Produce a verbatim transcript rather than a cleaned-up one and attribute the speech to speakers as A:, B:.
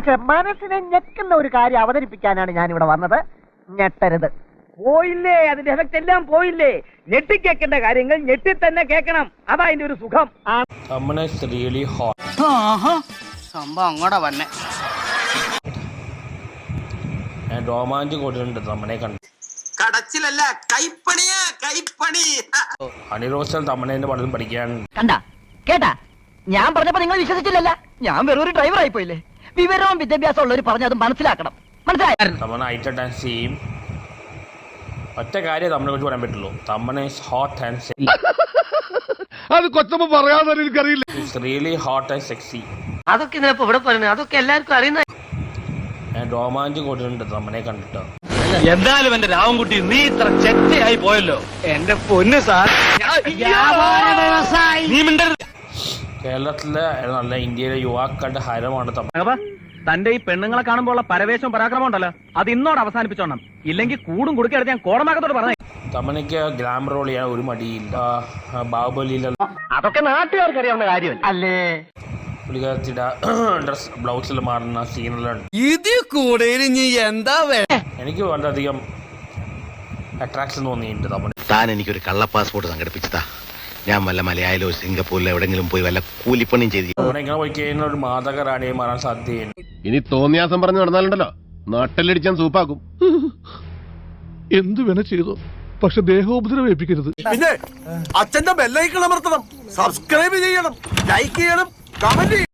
A: പക്ഷെ മനസ്സിനെ ഞെക്കുന്ന ഒരു കാര്യം അവതരിപ്പിക്കാനാണ് ഞാൻ ഇവിടെ വന്നത്. ഞെട്ടരുത്.
B: പോയില്ലേ, അതിന്റെ എഫക്ട് എല്ലാം പോയില്ലേ. ഞെട്ടി കേൾക്കേണ്ട കാര്യങ്ങൾ ഞെട്ടി തന്നെ കേൾക്കണം. അതാ അതിന്റെ ഒരു സുഖം.
C: സംഭവം അങ്ങോട്ടാ വന്നെ.
D: രോമാഞ്ചം കൊടുത്തിട്ടുണ്ട് തമ്മനെ കണ്ട്.
E: കടച്ചിലല്ല, കൈപ്പണിയാ, കൈപ്പണി.
D: അണിറോസൽ തമ്മനെ പലതും പഠിക്കാൻ
A: കണ്ട കേട്ടാ. ഞാൻ പറഞ്ഞപ്പോ നിങ്ങൾ വിശ്വസിച്ചില്ലല്ല. ഞാൻ വെറൊരു ഡ്രൈവർ ആയി പോയില്ലേ. വിവരവും വിദ്യാഭ്യാസം ഉള്ളവർ പറഞ്ഞത് മനസ്സിലാക്കണം. മനസ്സിലായി?
D: തമ്മന ഐറ്റ ഡാൻസ് ചെയ്യും. ഒറ്റ കാര്യം തമ്മനെ കുറിച്ച് പറയാൻ പറ്റുള്ളൂ. Tamanna is hot and sexy.
F: അത് കൊച്ചമ്മ പറയാതെ എനിക്കറിയില്ല.
D: It's really hot and sexy.
C: അതൊക്കെ ഇതിനപ്പോ ഇവിടെ പറയുന്നത് അതൊക്കെ എല്ലാവർക്കും അറിയുന്ന.
D: രോമാഞ്ചം കൊടുത്തിട്ടുണ്ട് തമ്മനെ കണ്ടിട്ട്.
F: എന്തായാലും എന്റെ രാവൻകുട്ടി നീ ഇത്ര ചെറ്റയായി പോയല്ലോ. എന്റെ പൊന്ന് സാർ,
D: കേരളത്തിലെ നല്ല ഇന്ത്യയിലെ യുവാക്കളുടെ ഹരമാണ് തമ്മ.
B: തന്റെ ഈ പെണ്ണുങ്ങളെ കാണുമ്പോൾ ഉള്ള പരവേശവും പരാക്രമം ഉണ്ടല്ലോ, അത് ഇന്നോട് അവസാനിപ്പിച്ചോണം. ഇല്ലെങ്കിൽ കൂടും കുടുക്കെടുത്ത് ഞാൻ കോടമാകത്തോട് പറഞ്ഞു.
D: തമ്മനയ്ക്ക് ഗ്ലാമർ റോൾ ചെയ്യാൻ ഒരു മടിയില്ല. ബാഹുബലിയിലെ
B: അതൊക്കെ നാട്ടുകാർക്ക് അറിയാവുന്ന കാര്യമല്ല അല്ലേ.
D: പുള്ളിക്കാരത്തിയുടെ ഡ്രസ് ബ്ലൗസിൽ മാറുന്ന സീനെല്ലാം
E: ഇതിൽ കൂടെ എന്താ
D: എനിക്ക് വളരെയധികം അട്രാക്ഷൻ തോന്നിയിട്ടുണ്ട് തമ്മൻ.
G: താൻ എനിക്കൊരു കള്ള പാസ്പോർട്ട് സംഘടിപ്പിച്ചതാ. ഞാൻ വല്ല മലയാളിലോ സിംഗപ്പൂരിലോ എവിടെങ്കിലും പോയി വല്ല കൂലിപ്പണിയും ചെയ്തു.
D: തമ്മനെ ഇങ്ങനെ പോയി കഴിഞ്ഞാൽ ഒരു മാതക റാണിയെ മാറാൻ സാധ്യതയുണ്ട്.
F: ഇനി തോന്നിയാസം പറഞ്ഞു നടന്നാലുണ്ടല്ലോ നാട്ടിലടിച്ചാൻ സൂപ്പാക്കും. എന്തു വേണ ചെയ്തു, പക്ഷെ ദേഹോപദ്രവം ഏൽപ്പിക്കരുത്.
E: പിന്നെ അച്ഛന്റെ ബെല്ലൈക്കൺ അമർത്തണം, സബ്സ്ക്രൈബ് ചെയ്യണം, ലൈക്ക് ചെയ്യണം, കമന്റ്